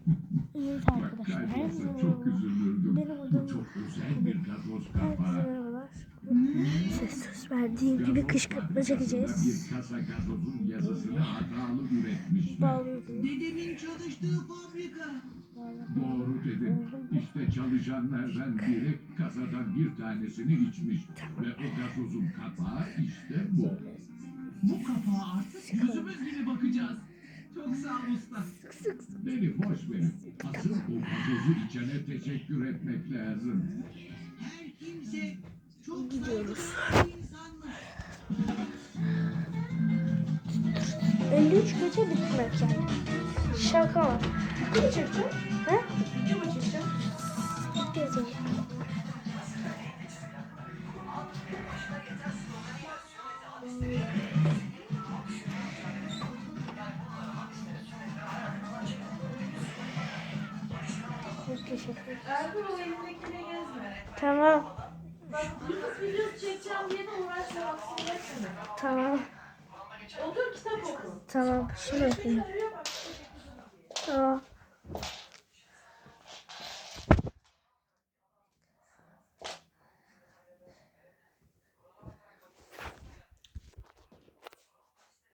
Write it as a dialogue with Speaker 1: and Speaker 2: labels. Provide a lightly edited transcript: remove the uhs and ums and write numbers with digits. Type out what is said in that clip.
Speaker 1: Evet
Speaker 2: Bak
Speaker 1: arkadaşlar,
Speaker 2: kaybolsa çok üzülürdüm.
Speaker 1: benim
Speaker 2: Bu
Speaker 1: adım
Speaker 2: çok özel bir gazoz
Speaker 1: herkese
Speaker 2: kapağı.
Speaker 1: merhabalar. Size söz verdiğim gibi kışkırtma çekeceğiz.
Speaker 2: Bir kasa gazozun yazısını hatalı üretmişler.
Speaker 1: Bağlıyordum.
Speaker 3: Dedemin çalıştığı fabrika.
Speaker 2: Doğru dedin. İşte çalışanlardan biri kasadan bir tanesini içmiş. Ve o gazozun kapağı işte bu.
Speaker 3: Bu kapağa artık yüzümüz gibi bakacağız. Çok sağ ol usta.
Speaker 2: Beni boş verin. Asıl o gazozu içene teşekkür etmek lazım.
Speaker 3: Her kimse çok
Speaker 1: Gidiyoruz.
Speaker 3: saygılı bir insanmış.
Speaker 1: 53 gece bitmek yani. Şaka var.
Speaker 4: Kim çekecek?
Speaker 1: He?
Speaker 4: Kim çekecek?
Speaker 1: Yazın. Çok teşekkür ederim.
Speaker 4: Ergun o elindekine gezme.
Speaker 1: Tamam.
Speaker 4: Bak Yunus videosu çekeceğim diye de uğraşma haksızlık etme.
Speaker 1: Tamam.
Speaker 4: Otur kitap oku.
Speaker 1: Tamam. Şunu okuyayım.
Speaker 4: Arıyor bak.
Speaker 1: Tamam.